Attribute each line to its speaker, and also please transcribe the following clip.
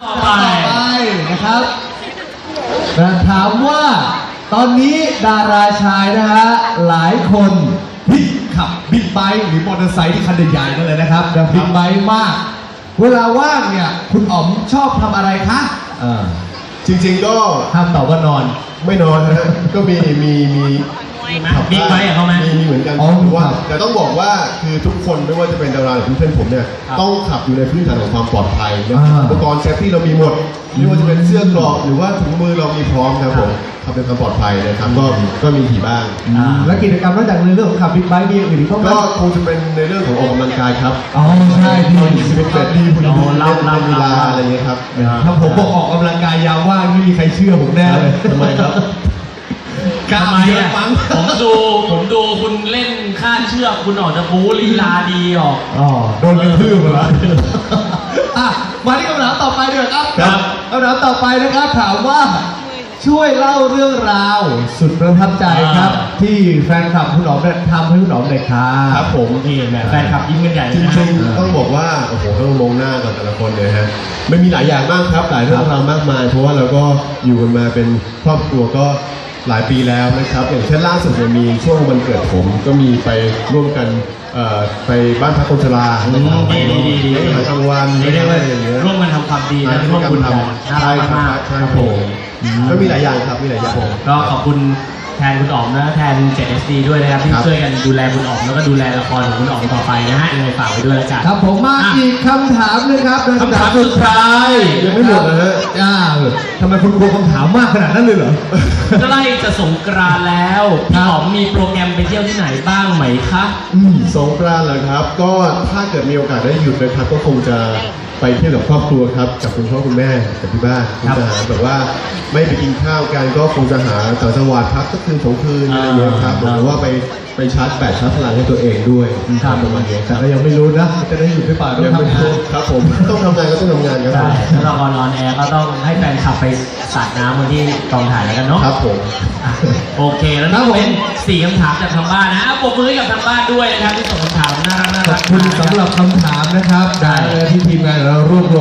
Speaker 1: ต่อไปนะครับถามว่าตอนนี้ดาราชายนะฮะหลายคนที่ขับบิ๊กไบค์หรือมอเตอร์ไซค์ที่คันใหญ่ๆนั่นเลยนะครับบิ๊กไบค์มากเวลาว่างเนี่ยคุณอ๋อมชอบทำอะไรคะ
Speaker 2: จริงๆก็
Speaker 1: ห้ามตอบว่านอน
Speaker 2: ไม่นอนนะฮะก็มี
Speaker 3: บิ๊กไบค์เขาไหม
Speaker 2: มีเหมือนกันว่าแต่ต้องบอกว่าคือทุกคนไม่ว่าจะเป็นดาราหรือเพื่อนผมเนี่ยต้องขับอยู่ในพื้นฐานของความปลอดภัยอุปกรณ์เซฟตี้เรามีหมดไม่ว่าจะเป็นเสื้อเกราะหรือว่าถุงมือเรามีพร้อมครับผมขับเป็นความปลอดภัยนะครับก็มีขี่บ้าง
Speaker 1: และกิจกรรมนอกจากในเรื่องของขับบิ๊กไบค์มีอย่างอื่นอีกก็
Speaker 2: คงจะเป็นในเรื่องของออกกำลังกายครับ
Speaker 1: ใช่ที่
Speaker 2: เป็นแบบดีคุณดูเล่นกีฬาอะไรเงี้ยครับ
Speaker 1: ถ้าผมบอกออกกำลังกายยามว่างไม่มีใครเชื่อผมแน่เลย
Speaker 2: ทำไมครับ
Speaker 3: ทำไมอ่ะผมดูคุณเล่นข้าเชือกคุณออกจะบู๊ลีลาดีออก
Speaker 1: โดนกระทืบมาแล้วมาที่คำถามต่อไปดีกว่าครับคำถามต่อไปนะครับถามว่าช่วยเล่าเรื่องราวสุดประทับใจครับที่แฟนคลับคุณอ๋อมเนี่ยทำให้คุณอ๋อมเลย
Speaker 2: ครับผม
Speaker 3: นี่แหละแฟนคลับยิ้มกันใหญ่
Speaker 2: จริงๆต้องบอกว่าโอ้โหต้องมองหน้ากันแต่ละคนเลยฮะไม่มีหลายอย่างมากครับหลายเรื่องราวมากมายเพราะว่าเราก็อยู่กันมาเป็นครอบครัวก็หลายปีแล้วนะครับอย่างเช่นล่าสุดมีช่วงวันเกิดผมก็มีไปร่วมกันไปบ้านพักคนชรา
Speaker 3: ดี
Speaker 2: อาหารกลางวัน
Speaker 3: อะไรอย่างเงี้ยร่วมกันทำความดีนะร่วมบุญกัน
Speaker 2: ใช่ครับผมก็มีหลายอย่างครับมีหลายอย่าง
Speaker 3: ก็ขอบคุณแทนคุณอ๋อมและแทน 7SD ด้วยนะครับที่ช่วยกันดูแลคุณอ๋อมแล้วก็ดูแลละครของคุณอ๋อมต่อไปนะฮะยังไงฝากไว้ด้วยแล้วกัน
Speaker 1: ครับผมมาอีกคำถามนึงครับ
Speaker 3: คำถามสุดท้าย
Speaker 2: ยังไม่หมดนะฮะ
Speaker 1: ทำไมคุณกลัวคำถามมากขนาดนั้นเลยเหรอ
Speaker 3: ใกล้จะสงกรานต์แล้วพี่อ๋อมมีโปรแกรมไปเที่ยวที่ไหนบ้างไหมคะ
Speaker 2: สงกรานต์เหรอครับก็ถ้าเกิดมีโอกาสได้หยุดนะครับก็คงจะไปเที่ยวกับครอบครัวครับกับคุณพ่อคุณแม่กับที่บ้านคงจะหาแบบว่าไม่ไปกินข้าวกันก็คงจะหาต่างจังหวัดพักสักคืน2 คืนอะไรอย่างเงี้ยครับหรือว่าไปชาร์จแบตชาร์จพลังให้ตัวเองด้วยประมาณนี้
Speaker 1: แต่ก็ยังไม่รู้นะจะได้หยุดหรือเปล่า
Speaker 2: ยังไม่รู้ครับผมต้องทำงานก็ต้องทำงานครับ
Speaker 3: แล้วละครออนแอร์ก็ต้องให้แฟนขับไปสาดน้ำวันที่กองถ่ายแล้วกันเนาะ
Speaker 2: ครับผม
Speaker 3: โอเคแล้วนี่เป็น4 คำถามจากทางบ้านนะปรบมือให้กับทางบ้านด้วยนะครับที่ส่งคำถามน่ารัก
Speaker 1: ขอบคุณสำหรับคำถามนะครับได้ที่ทีมงานเรารวบรวม